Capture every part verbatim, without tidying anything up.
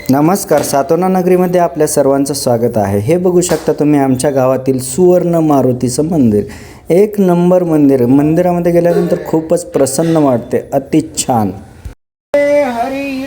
नमस्कार, सातोना नगरीमध्ये आपल्या सर्वांचं स्वागत आहे। हे बघू शकता तुम्ही आमच्या गावातील सुवर्ण मारुतीचं मंदिर, एक नंबर मंदिर। मंदिरामध्ये गेल्यानंतर खूपच प्रसन्न वाटते, अति छान। हरी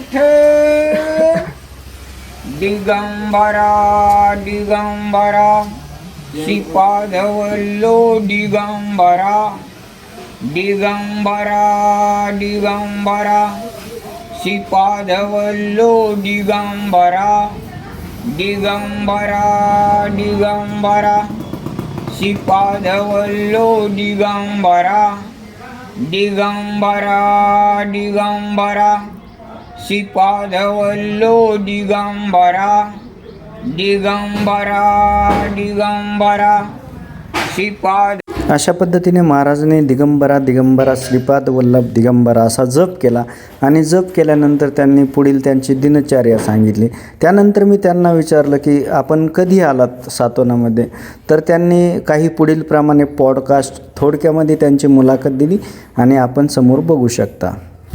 दिगंबरा दिगंबरा श्रीपादवल्लो दिगंबरा दिगंबरा दिगंबरा श्रीपादवल्लो दिगंबरा दिगंबरा दिगंबरा श्रीपादवल्लो दिगंबरा दिगंबरा दिगंबरा श्रीपादवल्लो दिगंबरा दिगंबरा दिगंबरा श्रीपाद। अशा पद्धतीने महाराजांनी दिगंबरा दिगंबरा श्रीपाद वल्लभ दिगंबरा असा जप केला आणि जप केल्यानंतर त्यांनी पुढील त्यांची दिनचर्या सांगितली। त्यानंतर मी त्यांना विचारलं की आपण कधी आलात सातोनामध्ये, तर त्यांनी काही पुढील प्रमाणे पॉडकास्ट थोडक्यामध्ये त्यांची मुलाखत दिली आणि आपण समोर बघू शकता।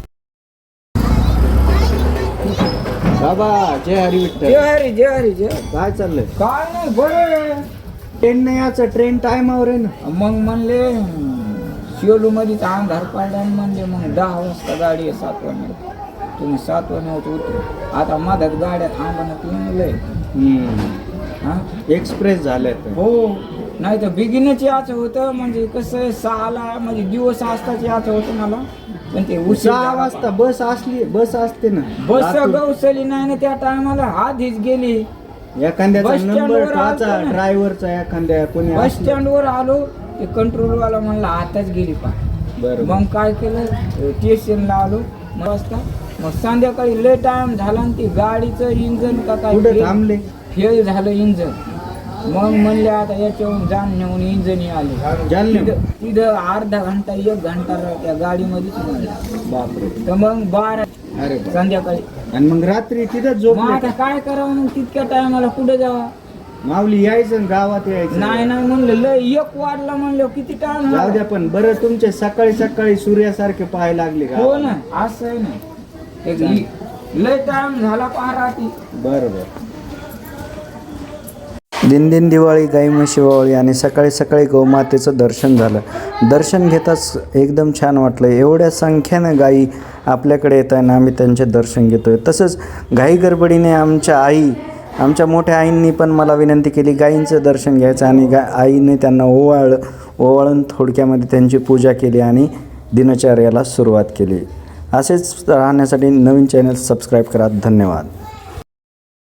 बाबा जय हरी विठ्ठल। जय हरी जय हरी जय। काय चाललंय? काय नाही, बरं ट्रेन नाही याचं, ट्रेन टायमावर आहे ना। मग म्हणले शिवलू मध्ये अंधार पाडला म्हणले मग दहा वाजता गाडी आहे सात वाजता, तुम्ही सात वाजता उतरू। आता मधात गाड्या थांबणं म्हणलंय हा एक्सप्रेस झाले हो, नाही तर बिगिनच याचं होतं। म्हणजे कसं सहाला म्हणजे दिवस असताच याचं होतं मला, पण ते सहा वाजता बस असली बस असते ना, बस गवसली नाही ना त्या टायमाला, आधीच गेली। एखाद्याचा नंबर टाचा ड्रायव्हरचा एखाद्या कोणी बस स्टँड वर आलो, ते कंट्रोल वाला म्हणला आताच गेली पाय। बरं, मग काय केलं, स्टेशनला आलो मग वाजता, मग संध्याकाळी लय टाइम झाला आणि ती गाडीचं इंजन का काय थांबले, फेल झालं इंजन। मग म्हणले आता याच्यावरून जाण नेऊन इंजन आले, तिथं अर्धा घंटा एक घंटा त्या गाडीमध्येच म्हणला। बापरे। तर मग बारा अरे संध्याकाळी आणि मग रात्री तिथं झोप। आता काय करावं मग, तितक्या टायमाला कुठे जावा, माऊली यायचं गावात यायचं नाही नाही म्हणलं, लय एक वाजला म्हणलं, किती टाइम जाऊ द्या। पण बरं तुमचे सकाळी सकाळी सूर्यासारखे पाहायला लागले का? हो ना, असं आहे ना, एक लय टाइम झाला पहाराती। बरोबर। दिन दिन दिवाळी, गाई म्हशी ओवाळी आणि सकाळी सकाळी गौमातेचं दर्शन झालं। दर्शन घेताच एकदम छान वाटलं, एवढ्या संख्येनं गाई आपल्याकडे येत आहे ना, आम्ही त्यांचे दर्शन घेतो आहे। तसंच घाई गडबडीने आमच्या आई आमच्या मोठ्या आईंनी पण मला विनंती केली गाईंचं दर्शन घ्यायचं, आणि गा आईने त्यांना ओवाळ ओवाळून थोडक्यामध्ये त्यांची पूजा केली आणि दिनचर्याला सुरुवात केली। असेच राहण्यासाठी नवीन चॅनल सबस्क्राईब करा। धन्यवाद।